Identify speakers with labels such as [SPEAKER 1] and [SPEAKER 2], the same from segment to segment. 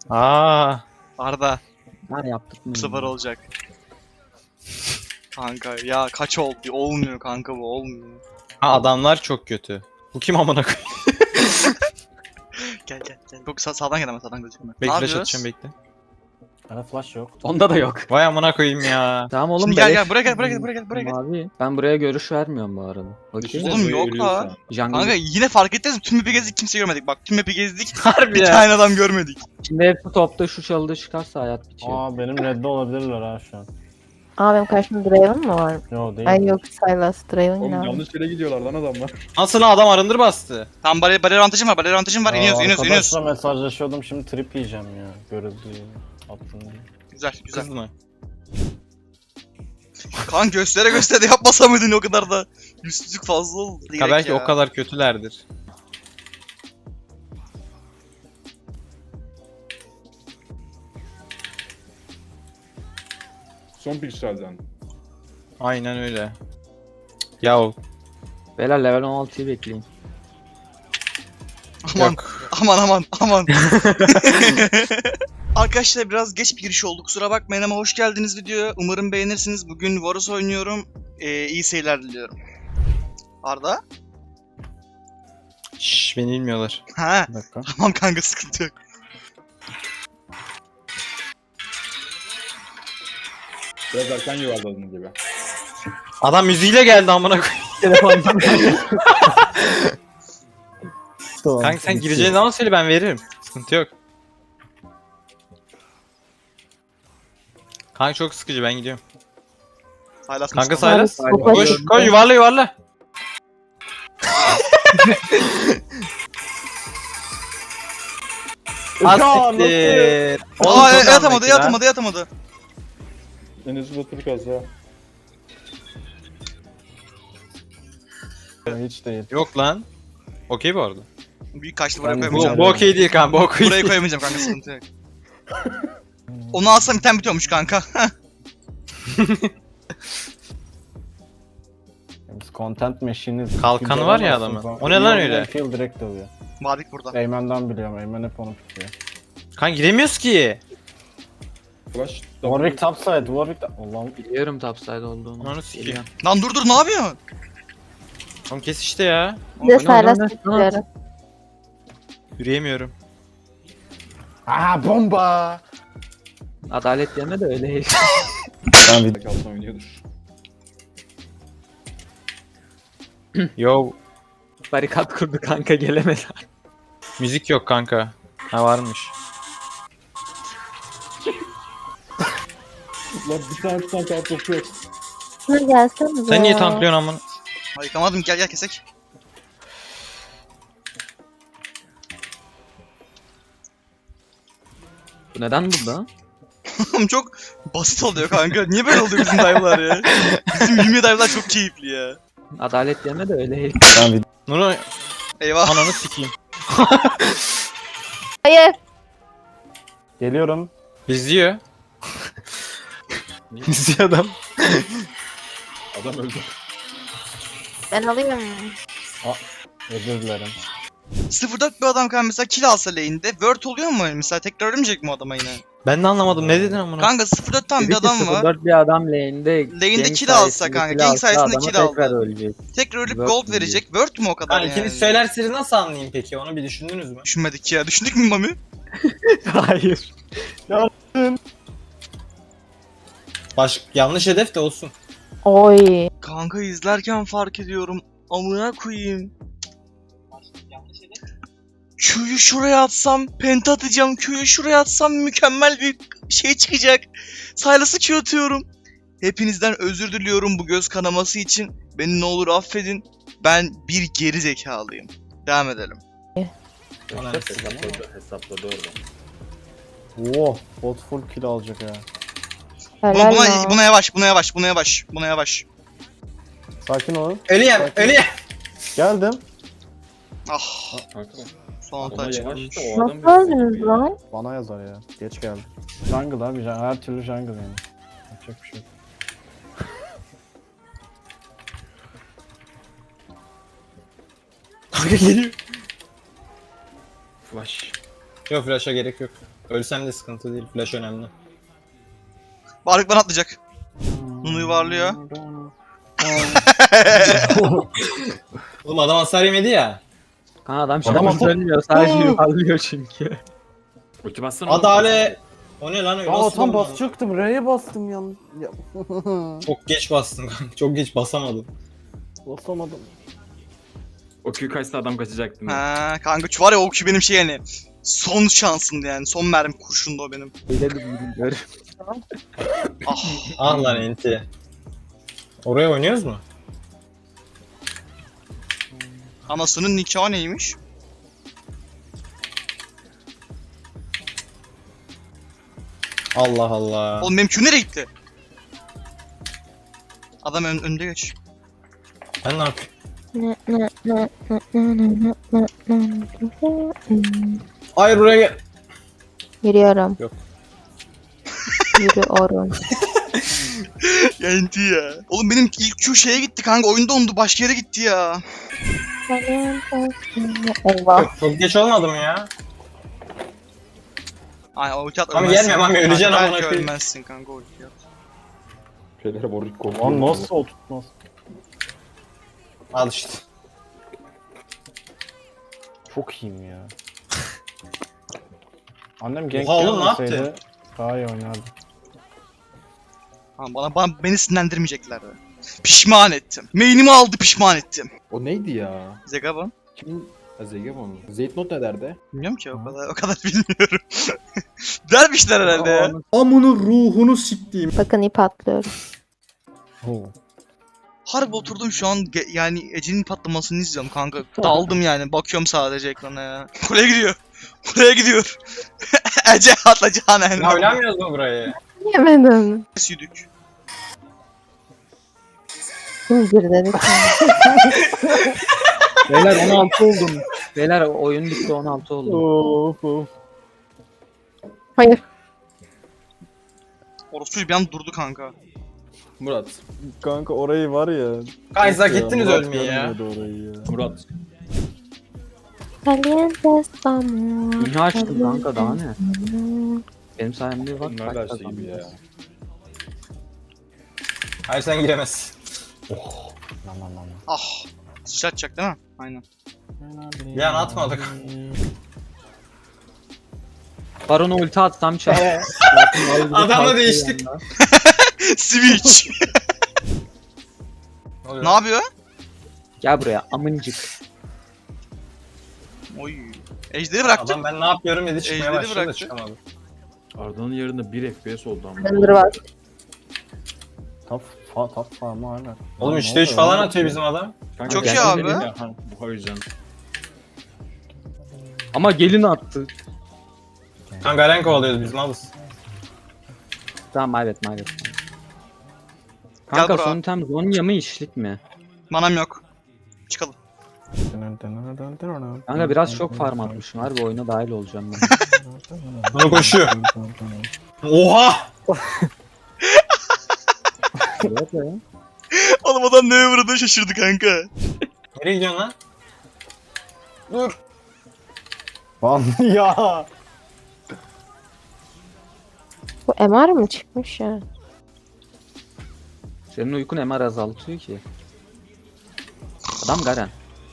[SPEAKER 1] Aa,
[SPEAKER 2] Arda
[SPEAKER 3] Ben yaptık mı?
[SPEAKER 2] bu sefer olacak. Kanka ya kaç oldu? Olmuyor kanka, bu olmuyor.
[SPEAKER 1] ha, adamlar çok kötü. Bu kim amına koyayım?
[SPEAKER 2] Gel gel gel. Çok sağdan gel ama sağdan gözükme.
[SPEAKER 1] Bekle, flash atacağım, bekle.
[SPEAKER 4] Bana flash yok.
[SPEAKER 3] Onda da yok.
[SPEAKER 1] Vay amına koyayım ya.
[SPEAKER 3] Tamam oğlum
[SPEAKER 2] Şimdi gel
[SPEAKER 3] beleş.
[SPEAKER 2] gel buraya gel buraya gel buraya gel buraya gel.
[SPEAKER 3] Mavi. Ben buraya görüş vermiyorum bu arada. Okey.
[SPEAKER 2] Oğlum yok la.
[SPEAKER 3] Jungle.
[SPEAKER 2] Kanka yine fark ettiniz mi? Tüm map'i gezdik, kimse görmedik. Bak tüm map'i gezdik.
[SPEAKER 1] Harbi
[SPEAKER 2] Bir
[SPEAKER 1] ya.
[SPEAKER 2] tane adam görmedik.
[SPEAKER 3] Şimdi hepsi topta şu çalıda çıkarsa hayat bitiyor.
[SPEAKER 4] Aa benim redde olabilirler ha şu an.
[SPEAKER 5] Aa benim karşımda Draven mı var?
[SPEAKER 4] Yo değil.
[SPEAKER 5] Ay yok Sylas Draven
[SPEAKER 6] Oğlum
[SPEAKER 5] ne?
[SPEAKER 6] yanlış yere gidiyorlar lan adamlar.
[SPEAKER 1] Nasıl lan, adam arındır bastı.
[SPEAKER 2] Tam bariyer avantajım var, bariyer avantajım var. İniyoruz, iniyoruz, iniyoruz.
[SPEAKER 4] Arkadaşla mesajlaşıyordum şimdi trip yiyeceğim ya. Görüldü attım.
[SPEAKER 2] Güzel, güzel.
[SPEAKER 1] Kız mı?
[SPEAKER 2] Kan göstere göstere yapmasa mıydın o kadar da? Yüzsüzlük fazla oldu.
[SPEAKER 1] Ha,
[SPEAKER 2] Direkt
[SPEAKER 1] belki
[SPEAKER 2] ya.
[SPEAKER 1] o kadar kötülerdir.
[SPEAKER 6] Son pikselden.
[SPEAKER 1] Aynen öyle. Ya
[SPEAKER 3] Beyler level 16'yı bekleyin.
[SPEAKER 2] Aman,
[SPEAKER 1] yok.
[SPEAKER 2] aman aman aman. Arkadaşlar biraz geç bir giriş oldu, kusura bakmayın ama hoş geldiniz videoya. Umarım beğenirsiniz. Bugün Varus oynuyorum. İyi seyirler diliyorum. Arda?
[SPEAKER 1] Şşş, beni bilmiyorlar.
[SPEAKER 2] Ha,
[SPEAKER 4] Bir dakika.
[SPEAKER 2] tamam kanka, sıkıntı yok.
[SPEAKER 6] Biraz erken yuvarladığın gibi.
[SPEAKER 1] Adam müziğiyle geldi amına koyayım.
[SPEAKER 3] Telefondan.
[SPEAKER 1] Kanka sen gireceğin zaman söyle, ben veririm. Sıkıntı yok. Kanka çok sıkıcı, ben gidiyorum.
[SPEAKER 2] Saylas
[SPEAKER 1] Kanka
[SPEAKER 2] mısın?
[SPEAKER 1] Saylas.
[SPEAKER 5] Saylas.
[SPEAKER 1] Koş koş, yuvarla yuvarla. Asiktir.
[SPEAKER 2] Aa, yatamadı, yatamadı, yatamadı.
[SPEAKER 6] En hızlı Türk az ya.
[SPEAKER 4] Hiç değil.
[SPEAKER 1] Yok lan. Okey bu arada.
[SPEAKER 2] Büyük kaçtı, buraya
[SPEAKER 4] Ben-
[SPEAKER 2] koyamayacağım.
[SPEAKER 1] Bu okey değil kanka, bu okey
[SPEAKER 2] Buraya
[SPEAKER 1] değil.
[SPEAKER 2] koyamayacağım kanka, sıkıntı yok. Onu alsam item bitiyormuş kanka.
[SPEAKER 4] Biz content machine'iz.
[SPEAKER 1] Kalkanı var ya adamın. O ne lan öyle?
[SPEAKER 4] Kill direkt alıyor.
[SPEAKER 2] Madik burada.
[SPEAKER 4] Eymen'den biliyorum. Eymen hep onu tutuyor.
[SPEAKER 1] Kanka giremiyoruz ki.
[SPEAKER 6] Flash.
[SPEAKER 4] Warwick topside. Warwick Allah'ım.
[SPEAKER 3] Biliyorum topside olduğunu.
[SPEAKER 1] Ananı sikeyim.
[SPEAKER 3] Geliyorum.
[SPEAKER 2] Lan dur dur, ne yapıyorsun?
[SPEAKER 1] Tamam kes işte ya.
[SPEAKER 5] Bir de Sylas
[SPEAKER 3] oynadım,
[SPEAKER 5] bekliyorum.
[SPEAKER 1] Yürüyemiyorum.
[SPEAKER 4] Aa bomba.
[SPEAKER 3] Adalet yerine de öyle.
[SPEAKER 4] Ben bir
[SPEAKER 6] Altına oynuyordur.
[SPEAKER 1] Yo,
[SPEAKER 3] Barikat kurdu kanka, gelemedi.
[SPEAKER 1] müzik yok kanka. Ha, varmış.
[SPEAKER 6] Lan bir tane kartopu yok.
[SPEAKER 5] Şuna gelsene
[SPEAKER 1] Sen niye tanklıyorsun amına?
[SPEAKER 2] Ay, yıkamadım, gel gel kesek.
[SPEAKER 3] Bu neden burada?
[SPEAKER 2] Oğlum çok basit oluyor kanka. Niye böyle oluyor bizim dive'lar ya? Bizim 20 dive'lar çok keyifli ya.
[SPEAKER 3] Adalet yerine de öyle.
[SPEAKER 4] ben bir
[SPEAKER 1] Nuru
[SPEAKER 2] Eyvah.
[SPEAKER 1] ananı sikeyim.
[SPEAKER 5] Hayır.
[SPEAKER 4] geliyorum.
[SPEAKER 1] İzliyor. İzliyor adam.
[SPEAKER 6] Adam öldü.
[SPEAKER 5] Ben alayım.
[SPEAKER 4] Özür dilerim.
[SPEAKER 2] 0-4 bir adam kanka mesela kill alsa lane'de word oluyor mu? Mesela tekrar ölmeyecek mi o adama yine?
[SPEAKER 1] Ben de anlamadım, ne dedin amına?
[SPEAKER 2] Kanka 0-4 tam bir adam var.
[SPEAKER 3] 04 bir adam lane'de.
[SPEAKER 2] Lane'de
[SPEAKER 3] gank
[SPEAKER 2] kill alsa
[SPEAKER 3] sayesinde
[SPEAKER 2] kanka,
[SPEAKER 3] kill
[SPEAKER 2] gank
[SPEAKER 3] alsa
[SPEAKER 2] sayesinde
[SPEAKER 3] adama
[SPEAKER 2] kill aldı.
[SPEAKER 3] tekrar ölecek.
[SPEAKER 2] Tekrar ölüp
[SPEAKER 3] Word
[SPEAKER 2] gold
[SPEAKER 3] mu
[SPEAKER 2] verecek. Word mu o kadar yani?
[SPEAKER 1] İkiniz söylerseniz nasıl anlayayım peki, onu bir düşündünüz mü?
[SPEAKER 2] Düşünmedik ya. Düşündük mü Mami?
[SPEAKER 3] Hayır.
[SPEAKER 1] Yanlış hedef de olsun.
[SPEAKER 5] Oy.
[SPEAKER 2] Kanka izlerken fark ediyorum. Amına koyayım. Q'yu şuraya atsam penta atacağım. Q'yu şuraya atsam mükemmel bir şey çıkacak. Silas'ı Q atıyorum. Hepinizden özür diliyorum bu göz kanaması için. Beni ne olur affedin. Ben bir geri zekalıyım. Devam edelim.
[SPEAKER 6] Hesapladı orada.
[SPEAKER 4] Oh, bot full kill alacak ya.
[SPEAKER 5] Helal
[SPEAKER 2] Buna,
[SPEAKER 5] lan.
[SPEAKER 2] buna yavaş, buna yavaş, buna yavaş, buna yavaş.
[SPEAKER 4] Sakin olun.
[SPEAKER 1] Ölüyem, ölüyem.
[SPEAKER 4] Geldim.
[SPEAKER 2] Ah,
[SPEAKER 6] Kanka.
[SPEAKER 2] son hata çıkarmış.
[SPEAKER 5] Nasıl öldünüz lan?
[SPEAKER 4] Bana yazar ya. Geç geldi. Jungle abi. Her türlü jungle yani. Yapacak bir şey yok.
[SPEAKER 1] Kanka geliyor.
[SPEAKER 6] Flash.
[SPEAKER 1] Yok flash'a gerek yok. Ölsem de sıkıntı değil. Flash önemli.
[SPEAKER 2] Varlık bana atlayacak. Bunu yuvarlıyor.
[SPEAKER 1] Oğlum adam hasar yemedi ya.
[SPEAKER 3] Kanka adam
[SPEAKER 4] Adam
[SPEAKER 3] şarkı
[SPEAKER 4] atı-
[SPEAKER 3] söylemiyor sadece yuvarlıyor çünkü.
[SPEAKER 6] Ulti bassana.
[SPEAKER 1] Adale. O ne lan öyle?
[SPEAKER 4] Aa
[SPEAKER 1] Nasıl
[SPEAKER 4] tam
[SPEAKER 1] oldu lan?
[SPEAKER 4] basacaktım. R'ye bastım ya.
[SPEAKER 1] Çok geç bastım kanka. Çok geç basamadım.
[SPEAKER 4] Basamadım.
[SPEAKER 6] O Q kaçsa adam kaçacaktı.
[SPEAKER 2] Ha kanka şu var ya o Q benim şey yani. Son şansımdı yani. Son mermi kurşundu o benim.
[SPEAKER 3] Öyle de bilmiyorum.
[SPEAKER 2] Ah.
[SPEAKER 1] Ah lan enti. Oraya oynuyoruz mu?
[SPEAKER 2] Anasının nikahı neymiş?
[SPEAKER 1] Allah Allah.
[SPEAKER 2] Oğlum benim Q nereye gitti? Adam önde geç.
[SPEAKER 1] Ben ne yapayım? Hayır buraya gel.
[SPEAKER 5] Yürüyorum.
[SPEAKER 1] Yok.
[SPEAKER 5] Yürüyorum.
[SPEAKER 2] Ya enti ya. Oğlum benim ilk Q şeye gitti kanka. Oyunda ondu. Başka yere gitti ya.
[SPEAKER 5] Eyvah.
[SPEAKER 1] Çok geç olmadı mı ya?
[SPEAKER 2] Ay o ulti at
[SPEAKER 1] Mami
[SPEAKER 2] ölmezsin.
[SPEAKER 1] gelme, Mami, öleceksin
[SPEAKER 2] Kanka,
[SPEAKER 1] amına
[SPEAKER 2] belki
[SPEAKER 1] koyayım.
[SPEAKER 2] ölmezsin kanka o ulti at.
[SPEAKER 6] Şeylere boruk korkuyor.
[SPEAKER 4] Lan nasıl o tutmaz?
[SPEAKER 1] Al işte.
[SPEAKER 4] Çok iyiyim ya. Annem gank
[SPEAKER 1] Oha oğlum, ne yaptı?
[SPEAKER 4] olmasaydı daha iyi oynardı.
[SPEAKER 2] Ha, beni sinirlendirmeyeceklerdi. Pişman ettim. Main'imi aldı pişman ettim.
[SPEAKER 6] O neydi ya?
[SPEAKER 2] Zegabon.
[SPEAKER 6] Kim? Ha Zegemon mu? Zeytnot ne derdi?
[SPEAKER 2] Bilmiyorum ki o kadar bilmiyorum. Dermişler herhalde ya.
[SPEAKER 7] Amının ruhunu siktiğim.
[SPEAKER 5] Bakın ip atlıyorum.
[SPEAKER 2] Harbi oturdum şu an yani Ece'nin patlamasını izliyorum kanka. Daldım yani bakıyorum sadece ekrana ya. Kuleye gidiyor. Kuleye gidiyor. Ece atlayacağına
[SPEAKER 1] Ya
[SPEAKER 2] yani.
[SPEAKER 1] oynamıyoruz mu burayı?
[SPEAKER 5] Yemedim.
[SPEAKER 2] Südük.
[SPEAKER 5] Kim girdi?
[SPEAKER 3] Beyler 16 oldum. Beyler oyun bitti 16 oldum.
[SPEAKER 4] Of of.
[SPEAKER 5] Hayır.
[SPEAKER 2] Orası bir an durdu kanka.
[SPEAKER 6] Murat.
[SPEAKER 4] Kanka orayı var ya.
[SPEAKER 1] Kaysa
[SPEAKER 4] Ya,
[SPEAKER 1] gittiniz
[SPEAKER 4] Murat
[SPEAKER 1] ölmeyi ya.
[SPEAKER 4] görmüyordu orayı ya.
[SPEAKER 6] Murat.
[SPEAKER 5] Caliente estamos.
[SPEAKER 3] Dünya açtım kanka daha ne? Benim sayemde bak.
[SPEAKER 6] Bunlar
[SPEAKER 3] kaç
[SPEAKER 6] da şey gibi ya.
[SPEAKER 1] Hayır sen giremezsin.
[SPEAKER 4] Lan lan lan.
[SPEAKER 2] Ah. Sıçratacak değil mi? Aynen.
[SPEAKER 1] Bir an atmadık.
[SPEAKER 3] Baron'a ulti atsam çek.
[SPEAKER 1] Adamla değiştik.
[SPEAKER 2] Switch.
[SPEAKER 1] Ne oluyor?
[SPEAKER 2] Ne yapıyor?
[SPEAKER 3] Gel buraya amıncık.
[SPEAKER 2] Oy. Ejderi bıraktı.
[SPEAKER 1] Adam ben ne yapıyorum dedi çıkmaya
[SPEAKER 2] Ejderi
[SPEAKER 1] başladı da
[SPEAKER 2] bıraktı.
[SPEAKER 1] çıkamadı.
[SPEAKER 6] Arda'nın yerinde 1 FPS oldu ama.
[SPEAKER 5] Render var.
[SPEAKER 4] Top farmı hala.
[SPEAKER 1] Oğlum
[SPEAKER 4] Lan
[SPEAKER 1] 3'te
[SPEAKER 4] ne
[SPEAKER 1] 3
[SPEAKER 4] oluyor
[SPEAKER 1] falan
[SPEAKER 4] lan?
[SPEAKER 1] atıyor bizim adam.
[SPEAKER 6] Kanka,
[SPEAKER 2] Çok
[SPEAKER 6] ben
[SPEAKER 2] iyi abi.
[SPEAKER 6] dedim ya, ha, bu o yüzden.
[SPEAKER 3] Ama gelin attı.
[SPEAKER 1] Kanka Garen kovalıyoruz biz malız.
[SPEAKER 3] Tamam maybet. Kanka
[SPEAKER 2] bro.
[SPEAKER 3] son item Zonya mı işlik mi?
[SPEAKER 2] Manam yok. Çıkalım.
[SPEAKER 3] Kanka biraz çok farm atmışım. Harbi oyuna dahil olacağım ben.
[SPEAKER 1] Bunu koşuyor. Oha!
[SPEAKER 3] Evet ya.
[SPEAKER 2] Oğlum adam neye vurduğunu şaşırdı kanka.
[SPEAKER 1] Nereye gidiyorsun lan? Dur.
[SPEAKER 4] Lan ya.
[SPEAKER 5] Bu MR mı çıkmış ya?
[SPEAKER 3] Senin uykun MR azaltıyor ki. Adam Garen.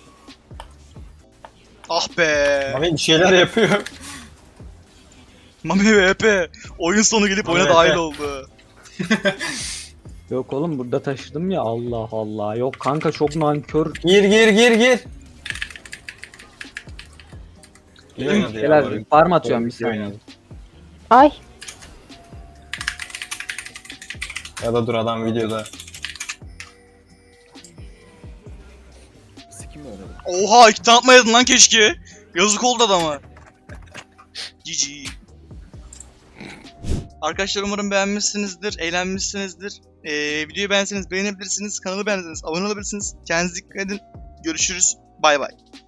[SPEAKER 2] Ah be.
[SPEAKER 1] Mami bir şeyler yapıyor.
[SPEAKER 2] Mami VP. Oyun sonu gelip
[SPEAKER 1] Mami
[SPEAKER 2] oyuna
[SPEAKER 1] VP.
[SPEAKER 2] dahil oldu.
[SPEAKER 3] Yok oğlum burada taşıdım ya Allah Allah. Yok kanka çok nankör.
[SPEAKER 1] Gir. İyi oynadı ya.
[SPEAKER 3] Şeyler
[SPEAKER 1] bari.
[SPEAKER 3] farm atıyorum bir
[SPEAKER 1] İyi
[SPEAKER 3] saniye.
[SPEAKER 1] oynadı.
[SPEAKER 5] Ay.
[SPEAKER 1] Ya da dur adam videoda.
[SPEAKER 6] Sikim öyle.
[SPEAKER 2] Oha 2 tane atmayaydın lan keşke. Yazık oldu adama. GG. Arkadaşlar umarım beğenmişsinizdir, eğlenmişsinizdir. Videoyu beğenseniz beğenebilirsiniz, kanalı beğenseniz abone olabilirsiniz. Kendinize dikkat edin. Görüşürüz. Bay bay.